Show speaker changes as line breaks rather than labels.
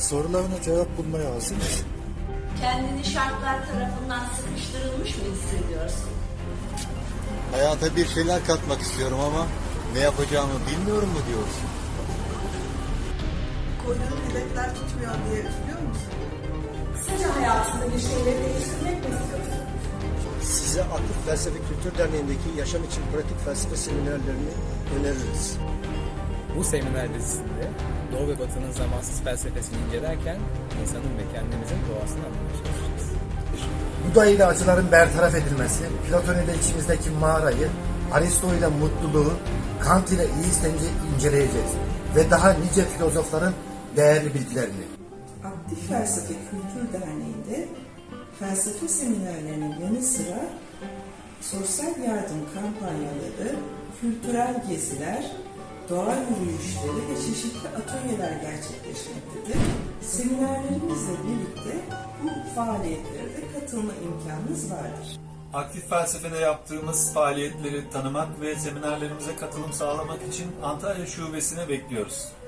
Sorularına cevap bulmaya hazır mısın?
Kendini şartlar tarafından sıkıştırılmış mı hissediyorsun?
Hayata bir şeyler katmak istiyorum ama ne yapacağımı bilmiyorum mu diyorsun?
Koyduğun hedefler tutmuyor diye üzülüyor musun?
Kısaca hayatında bir şeyleri değiştirmek mi istiyorsun?
Size Aktif Felsefe Kültür Derneği'ndeki yaşam için pratik felsefe seminerlerini öneririz.
Bu seminer dizisinde Doğu ve Batı'nın zamansız felsefesini incelerken insanın ve kendimizin doğasını anlamaya çalışacağız.
Buda ile acıların bertaraf edilmesi, Platon ile içimizdeki mağarayı, Aristo ile mutluluğu, Kant ile iyi istenci inceleyeceğiz ve daha nice filozofların değerli bilgilerini.
Aktif Felsefe Kültür Derneği'nde felsefe seminerlerinin yanı sıra sosyal yardım kampanyaları, kültürel geziler, doğa yürüyüşleri ve çeşitli atölyeler gerçekleşmektedir. Seminerlerimizle birlikte bu faaliyetlere de katılma imkanınız vardır.
Aktif Felsefe'de yaptığımız faaliyetleri tanımak ve seminerlerimize katılım sağlamak için Antalya Şubesi'ne bekliyoruz.